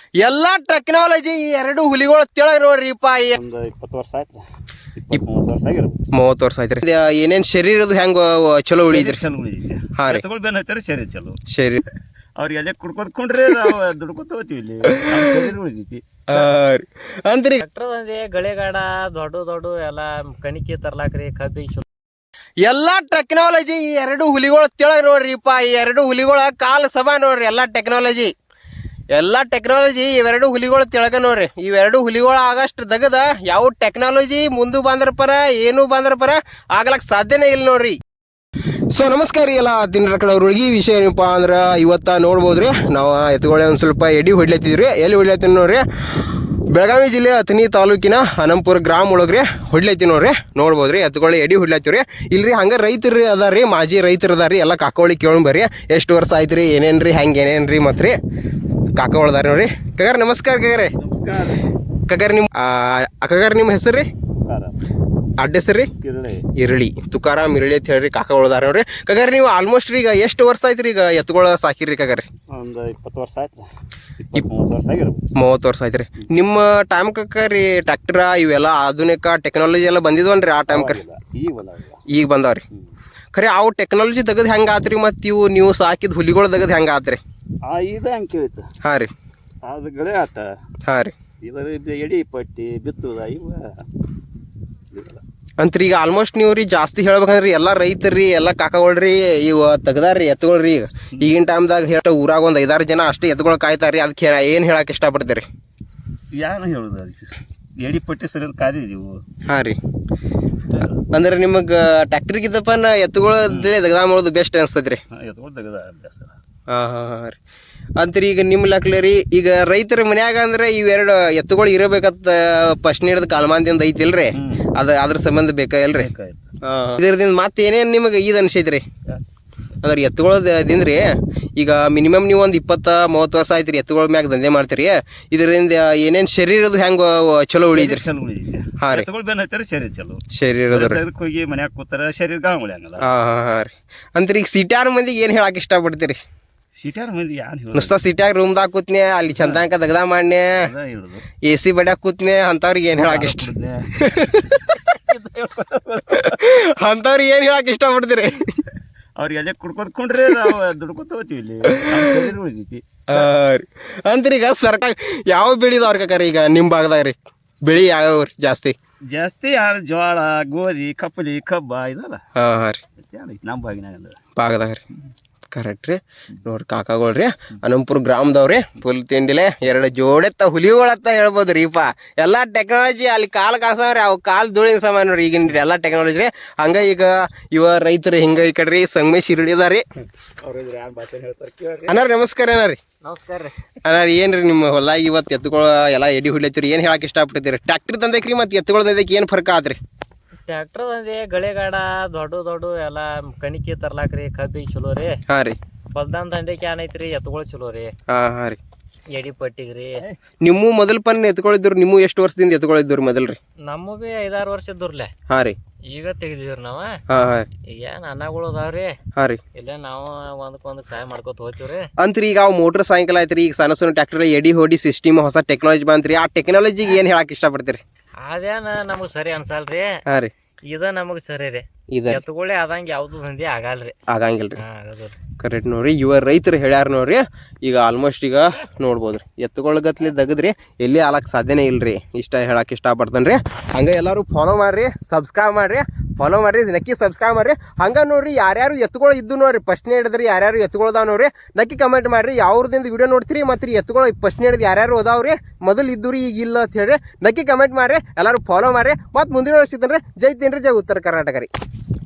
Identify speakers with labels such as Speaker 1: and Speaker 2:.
Speaker 1: ಎಲ್ಲಾ ಟೆಕ್ನಾಲಜಿ ಈ ಎರಡು ಹುಲಿಗಳು ತಿಳಗ ನೋಡ್ರಿಪ್ಪ.
Speaker 2: ಒಂದು 20 ವರ್ಷ ಆಯ್ತು, 20-30 ವರ್ಷ ಆಗಿರ್ಬೋದು.
Speaker 1: 30 ವರ್ಷ ಆಯ್ತ್ರಿ. ಏನೇನ್ ಶರೀರದು ಹೆಂಗ ಚಲೋ ಉಳಿದ್ರಿ?
Speaker 2: ಚಲೋ ಉಳಿದೈತಿ.
Speaker 1: ಹಾ ರೀ,
Speaker 2: ಎತ್ತುಗಳು ಬೆನ್ನ ಹತ್ತಾರ ಶರೀರ ಚಲೋ.
Speaker 1: ಶರೀರ
Speaker 2: ಅವ್ರಿಗೆ ಎಲೆ ಕುಡ್ಕೊಂಡ್ರೆ ನಾವು ದುಡ್ಕೊತ ಹೋಗ್ತೀವಿ. ಇಲ್ಲಿ ಶರೀರ ಉಳಿದೈತಿ
Speaker 1: ಅಂತ್ರಿ.
Speaker 3: ಟ್ರ್ಯಾಕ್ಟರ್ ಗಳೆಗಾಡ ದೊಡ್ಡ ದೊಡ್ಡ ಎಲ್ಲ ಕಣಿಕೆ ತರ್ಲಾಕ್ರಿ ಕಬ್ಬಿಗೆ
Speaker 1: ಎಲ್ಲಾ ಟೆಕ್ನಾಲಜಿ ಈ ಎರಡು ಹುಲಿಗಳು ತಿಳಗ ನೋಡ್ರಿಪ್ಪ. ಈ ಎರಡು ಹುಲಿಗಳ ಕಾಲ ಸಭಾ ನೋಡ್ರಿ. ಎಲ್ಲಾ ಟೆಕ್ನಾಲಜಿ ಇವೆರಡು ಹುಲಿಗಳು ತಿಳಗ ನೋಡ್ರಿ. ಇವೆರಡು ಹುಲಿಗಳು ಆಗಷ್ಟು ದಗದ ಯಾವ ಟೆಕ್ನಾಲಜಿ ಮುಂದೆ ಬಂದ್ರ ಪರ ಏನು ಬಂದ್ರ ಪರ ಆಗ್ಲಕ್ ಸಾಧ್ಯನೇ ಇಲ್ಲ ನೋಡ್ರಿ. ಸೊ ನಮಸ್ಕಾರ ರೀ ಎಲ್ಲ ದಿನ ಕಡೆಯವ್ರಿಗೆ. ವಿಷಯ ಏನಪ್ಪ ಅಂದ್ರೆ ಇವತ್ತ ನೋಡ್ಬೋದ್ರಿ ನಾವು ಎತ್ತುಗಳೇ ಒಂದು ಸ್ವಲ್ಪ ಎಡಿ ಹೊಡ್ಲತ್ತಿದ್ರಿ. ಎಲ್ಲಿ ಹೊಡ್ಲತ್ತೀನಿ ನೋಡ್ರಿ, ಬೆಳಗಾವಿ ಜಿಲ್ಲೆ ಅಥಣಿ ತಾಲೂಕಿನ ಅನಂಪುರ ಗ್ರಾಮ ಒಳಗ್ರಿ ಹೊಡ್ಲೈತಿ ನೋಡ್ರಿ. ನೋಡ್ಬೋದ್ರಿ ಎತ್ತುಗಳು ಎಡಿ ಹೊಡ್ಲತ್ತೀವ್ರಿ. ಇಲ್ರಿ ಹಂಗೆ ರೈತರು ಅದಾರಿ, ಮಾಜಿ ರೈತರು ಅದಾರಿ. ಎಲ್ಲ ಕಾಕೋಳಿ ಕೇಳೋಣ ಬರ್ರಿ, ಎಷ್ಟು ವರ್ಷ ಆಯ್ತು ರೀ, ಏನೇನ್ರಿ ಹೆಂಗೆ ಏನೇನ್ರಿ ಮತ್ತು ರೀ ಕಾಕೋಳದಾರ ನೋಡ್ರಿ. ಕಗಾರ ನಮಸ್ಕಾರ. ಕಗಾರೆ
Speaker 2: ನಮಸ್ಕಾರ.
Speaker 1: ಕಗಾರ ನಿಮ್ಮ ಕಗಾರ ನಿಮ್ಮ ಹೆಸರು ರೀ? ಅಡ್ಡ ಹೆಸರು ರೀ? ಇರಳಿ ತುಕಾರಾಮ್ ಇರಳಿ ಅಂತ ಹೇಳ್ರಿ ಕಾಕೋಳದಾರ ನೋಡ್ರಿ. ಕಗಾರ ನೀವು ಆಲ್ಮೋಸ್ಟ್ ಈಗ ಎಷ್ಟು ವರ್ಷ ಆಯ್ತು ರೀ ಈಗ ಎತ್ತುಗಳು ಸಾಕಿರಿ ಕಗಾರಿ?
Speaker 2: ಒಂದು 20 ವರ್ಷ ಆಯ್ತು, 20-30 ವರ್ಷ ಆಗಿರ್ಬೋದು.
Speaker 1: 30 ವರ್ಷ ಆಯ್ತು ರೀ. ನಿಮ್ಮ ಟೈಮ್ ಕರಿ ಟ್ರ್ಯಾಕ್ಟರ್ ಇವೆಲ್ಲ ಆಧುನಿಕ ಟೆಕ್ನಾಲಜಿ ಎಲ್ಲ ಬಂದಿದ್ವನ್ರಿ ಆ ಟೈಮ್ ಕರಿ? ಈಗ ಬಂದಾವ್ರಿ. ಖರೆ ಅವು ಟೆಕ್ನಾಲಜಿ ತೆಗೆದು ಹೆಂಗೆ ಆತ್ರಿ? ಮತ್ತು ಇವು ನೀವು ಸಾಕಿದ ಹುಲಿಗಳು ತೆಗೆದು ಹೆಂಗೆ ಆತ್ರಿ?
Speaker 2: ಇದು ಹಂಗೆ ಕೇಳಿತ್ತು.
Speaker 1: ಹಾಂ ರೀ,
Speaker 2: ಅದು ಗಳೆ ಆಟ.
Speaker 1: ಹಾಂ ರೀ.
Speaker 2: ಇದರ ಎಡಿ ಪಟ್ಟಿ ಬಿತ್ತುದ ಇವ
Speaker 1: ಅಂತ್ರಿ. ಈಗ ಆಲ್ಮೋಸ್ಟ್ ನೀವು ರೀ ಜಾಸ್ತಿ ಹೇಳ್ಬೇಕಂದ್ರಿ ಎಲ್ಲ ರೈತರಿ ಎಲ್ಲ ಕಾಕಗಳ್ರಿ ಇವು ತೆಗ್ದಾರ್ರಿ ಎತ್ತುಗಳ್ರಿ. ಈಗಿನ ಟೈಮ್ದಾಗ ಹೇಳ ಊರಾಗ ಒಂದು 5-6 ಜನ ಅಷ್ಟೇ ಎತ್ತುಗಳು ಕಾಯ್ತಾರ್ರಿ. ಅದಕ್ಕೆ ಏನು ಹೇಳಕ್ಕೆ ಇಷ್ಟಪಡ್ತೀರಿ?
Speaker 2: ಏನು ಹೇಳುದು, ಎಡಿ ಪಟ್ಟಿ ಸರಿ ಅಂತ ಕಾದಿದ್ದೀವು.
Speaker 1: ಹಾಂ ರೀ. ಅಂದ್ರೆ ನಿಮಗೆ ಟ್ಯಾಕ್ಟ್ರಿಗಿದ್ದಪ್ಪ ಎತ್ತುಗಳದ್ದೇ ತೆಗ್ದಾ ಮಾಡೋದು ಬೆಸ್ಟ್ ಅನಿಸ್ತೈತೆ ರೀ?
Speaker 2: ಎತ್ತುಗಳು ತೆಗ್ದ ಅಭ್ಯಾಸ.
Speaker 1: ಹಾಂ ಹಾಂ ಹಾಂ ರೀ. ಅಂತ್ರಿ ಈಗ ನಿಮ್ಮ ಲೆಕ್ಕಲೆ ರೀ, ಈಗ ರೈತರ ಮನ್ಯಾಗ ಅಂದ್ರೆ ಇವೆರಡು ಎತ್ತುಗಳು ಇರಬೇಕಂತ ಫಸ್ಟ್ ಹಿಡಿದು ಕಾಲ್ಮಾನದಿಂದ ಐತಿಲ್ರಿ, ಅದ್ರ ಸಂಬಂಧ ಬೇಕಾಗಿಲ್ರಿ? ಇದರಿಂದ ಮತ್ತೆ ಏನೇನು ನಿಮಗೆ ಇದು ಅನ್ಸೈತ್ರಿ? ಅಂದ್ರೆ ಎತ್ತುಗಳದಿಂದ್ರಿ ಈಗ ಮಿನಿಮಮ್ ನೀವು ಒಂದು 20-30 ವರ್ಷ ಆಯ್ತು ರೀ ಎತ್ತುಗಳ ಮ್ಯಾಗ ದಂಧೆ ಮಾಡ್ತೀರಿ. ಇದರಿಂದ ಏನೇನು ಶರೀರದು ಹೆಂಗೆ ಚಲೋ ಉಳಿದ್ರಿ?
Speaker 2: ಚಲೋ ಉಳಿದಿದೆ.
Speaker 1: ಹಾಂ ರೀ.
Speaker 2: ಎತ್ತುಗಳು ಬೆನ್ನ ಹತ್ತಾರ ಶರೀರ ಚಲೋ.
Speaker 1: ಶರೀರದ
Speaker 2: ಹೋಗಿ ಮನ್ಯಾಗ ಕೂತಾರ ಶರೀರ ಗಾಂಗ್ ಉಳಿಯಂಗಲ್ಲ.
Speaker 1: ಹಾಂ ಹಾಂ ಹಾಂ ರೀ. ಅಂತ್ರಿ ಈಗ ಸಿಟ್ಯಾರ ಮಂದಿಗೆ ಏನು ಹೇಳಕ್ಕೆ ಇಷ್ಟಪಡ್ತೀರಿ?
Speaker 2: ಸಿಟ್ಯಾರ ಮಂದಿ ಏನು
Speaker 1: ನುಸ್ತಾ ಸಿಟ್ಯಾಗ ರೂಮ್ದಾಗ ಕೂತ್ನೆ, ಅಲ್ಲಿ ಚಂದಾಂಕ ದಗದ ಮಾಡ್ನೆ, AC ಬಡ್ಯಾಗ ಕೂತ್ನೆ, ಅಂಥವ್ರಿಗೆ ಏನು ಹೇಳಕ್ಕೆ ಇಷ್ಟ? ಅಂಥವ್ರಿಗೆ ಏನು ಹೇಳಕ್ಕೆ ಇಷ್ಟಪಡ್ತೀರಿ?
Speaker 2: ಅವ್ರಿಗೆ ಎಲೆ ಕುಡ್ಕೊಂಡ್ರೆ ನಾವು ದುಡ್ಕೊತ ಹೋಗ್ತೀವಿ. ಇಲ್ಲಿ ಶರೀರ ಉಳಿದೈತಿ.
Speaker 1: ಅಂತ್ರಿ ಈಗ ಸರ್ಕಾರ ಯಾವ ಬೆಳಿದವ್ರ ಕಕ್ಕಾರ ಈಗ ನಿಮ್ಮ ಭಾಗದಾಗ ರೀ? ಬೆಳಿ ಯಾವ ಜಾಸ್ತಿ?
Speaker 2: ಯಾರು ಜೋಳ, ಗೋಧಿ, ಕಪ್ಪಲಿ, ಕಬ್ಬ ಇದಲ್ಲ.
Speaker 1: ಹಾಂ ಹಾಂ ರೀ.
Speaker 2: ನಮ್ಮ
Speaker 1: ಭಾಗದಾಗ ರೀ. ಕರೆಕ್ಟ್ ರೀ. ನೋಡ್ರಿ ಕಾಕಾಗಳ್ರಿ ಅನಂಪುರ ಗ್ರಾಮದವ್ರಿ ಫುಲ್ ತಿಂಡಿಲೆ 2 ಜೋಡೆತ್ತ ಹುಲಿಗಳತ್ತ ಹೇಳ್ಬೋದು ರೀಪ. ಎಲ್ಲ ಟೆಕ್ನಾಲಜಿ ಅಲ್ಲಿ ಕಾಲು ಕಾಸವ್ರಿ, ಅವು ಕಾಲು ಧೂಳಿನ ಸಮಾನ ನೋಡ್ರಿ ಈಗಿನ ಎಲ್ಲ ಟೆಕ್ನಾಲಜಿ ರೀ. ಹಂಗೆ ಈಗ ಇವ ರೈತರು ಹಿಂಗೆ ಈ ಕಡೆ ರೀ ಸಂಗಮೇಶ್ ಇರಳಿದಾರಿ. ಅಣ್ಣ ನಮಸ್ಕಾರ. ಅಣ್ಣ ರೀ
Speaker 3: ನಮಸ್ಕಾರ ರೀ.
Speaker 1: ಅಣ್ಣ ಏನು ರೀ ನಿಮ್ಮ ಹೊಲ ಇವತ್ತು ಎತ್ತುಗಳು ಎಲ್ಲ ಎಡಿ ಹೊಡ್ಲತ್ತೀರಿ, ಏನು ಹೇಳಕ್ಕೆ ಇಷ್ಟಪಡ್ತೀರಿ? ಟ್ಯಾಕ್ಟ್ರಿ ತಂದೈಕ್ರಿ ಮತ್ತು ಎತ್ತುಗಳ ತಂದೈಕಿ ಏನು ಫರ್ಕ ಆದ್ರಿ?
Speaker 3: ಟ್ರ್ಯಾಕ್ಟರ್ ಗಳೆಗಾಡ ದೊಡ್ಡ ದೊಡ್ಡ ಎಲ್ಲ ಕಣಿಕೆ ತರ್ಲಾಕ್ರಿ ಕಬ್ಬಿಗೆ ಚಲೋ ರೀ.
Speaker 1: ಹಾಂ ರೀ.
Speaker 3: ಹೊಲ್ದಾನ್ ದಂಧೆಗೆ ಏನೈತ್ರಿ ಎತ್ತುಗಳು ಚಲೋ ರೀ.
Speaker 1: ಹಾಂ ಹಾಂ ರೀ.
Speaker 3: ಎಡಿ ಪಟ್ಟಿಗ್ರಿ.
Speaker 1: ನಿಮ್ಮ ಮೊದಲು ಪನ್ ಎತ್ಕೊಳಿದ್ರು? ನಿಮ್ಮ ಎಷ್ಟು ವರ್ಷದಿಂದ ಎತ್ಕೊಳಿದ್ರು ಮೊದಲು ರೀ?
Speaker 3: ನಮ್ಮ ಬಿ 5-6 ವರ್ಷ ಇದ್ದೂರ್ಲೆ.
Speaker 1: ಹಾಂ ರೀ.
Speaker 3: ಈಗ ತೆಗ್ದಿವ್ರಿ ನಾವು.
Speaker 1: ಹಾಂ ಹಾಂ.
Speaker 3: ಈಗ ಏನು ಅನ್ನಗಳು ಅದಾವ್ರಿ.
Speaker 1: ಹಾಂ ರೀ.
Speaker 3: ಇಲ್ಲ ನಾವು ಒಂದಕ್ಕೆ ಸಹಾಯ ಮಾಡ್ಕೊತ ಹೋಗ್ತೀವ್ರಿ.
Speaker 1: ಅಂತ್ರಿ ಈಗ ಅವು ಮೋಟ್ರ್ ಸೈಕಲ್ ಆಯ್ತು ರೀ, ಈಗ ಸಣ್ಣ ಸಣ್ಣ ಟ್ರ್ಯಾಕ್ಟರ್ ಎಡಿ ಹೊಡಿ ಸಿಸ್ಟಮ್ ಹೊಸ ಟೆಕ್ನಾಲಜಿ ಬಂತ್ರಿ. ಆ ಟೆಕ್ನಾಲಜಿಗೆ ಏನು ಹೇಳಕ್ಕೆ ಇಷ್ಟಪಡ್ತೀರಿ?
Speaker 3: ಅದೇನ ನಮಗೆ ಸರಿ ಅನ್ಸಲ್ರಿ.
Speaker 1: ಹಾಂ ರೀ.
Speaker 3: ಇದ ನಮಗೆ ಸರಿ ರೀ. ಎತ್ತುಗಳೇ ಆದಂಗೆ ಯಾವ್ದು ದಂಧೆ ಆಗಲ್ರಿ.
Speaker 1: ಆಗಂಗಿಲ್ರಿ. ಕರೆಕ್ಟ್ ನೋಡ್ರಿ. ಇವ ರೈತರು ಹೇಳ್ಯಾರ ನೋಡ್ರಿ. ಈಗ ಆಲ್ಮೋಸ್ಟ್ ಈಗ ನೋಡ್ಬೋದ್ರಿ ಎತ್ತುಗಳಗತ್ಲಿ ದಗದ್ರಿ ಎಲ್ಲಿ ಆಲಕ್ಕೆ ಸಾಧ್ಯನೇ ಇಲ್ರಿ. ಇಷ್ಟ ಹೇಳಕ್ಕೆ ಇಷ್ಟಪಡ್ತಾನೆ ರೀ. ಹಂಗೆ ಎಲ್ಲರೂ ಫಾಲೋ ಮಾಡ್ರಿ, ಸಬ್ಸ್ಕ್ರೈಬ್ ಮಾಡ್ರಿ, ಫಾಲೋ ಮಾಡ್ರಿ, ನಕ್ಕಿ ಸಬ್ಸ್ಕ್ರೈಬ್ ಮಾಡ್ರಿ. ಹಂಗೆ ನೋಡ್ರಿ ಯಾರ್ಯಾರು ಎತ್ತುಗಳು ಇದ್ದು ನೋಡ್ರಿ ಫಸ್ಟ್ನೇ ಹಿಡಿದ್ರಿ ಯಾರ್ಯಾರು ಎತ್ತುಗಳದಾವ ನೋಡ್ರಿ ನಕ್ಕಿ ಕಮೆಂಟ್ ಮಾಡ್ರಿ. ಯಾವ್ರದಿಂದ ವಿಡಿಯೋ ನೋಡ್ತೀರಿ ಮತ್ತು ರೀ ಎತ್ತುಗಳು ಫಸ್ಟ್ನೇ ಹಿಡಿದು ಯಾರ್ಯಾರು ಅದಾವ್ರಿ ಮೊದಲು ಇದ್ದು ರೀ ಈಗ ಇಲ್ಲ ಅಂತ ಹೇಳ್ರಿ ನಕ್ಕಿ ಕಮೆಂಟ್ ಮಾಡ್ರಿ. ಎಲ್ಲರೂ ಫಾಲೋ ಮಾಡ್ರಿ. ಮತ್ತು ಮುಂದಿನ ವರ್ಷ ಸಿಗ್ತಾನೆ ರೀ. ಜೈ ತಿನ್ರಿ, ಜೈ ಉತ್ತರ ಕರ್ನಾಟಕ ರೀ.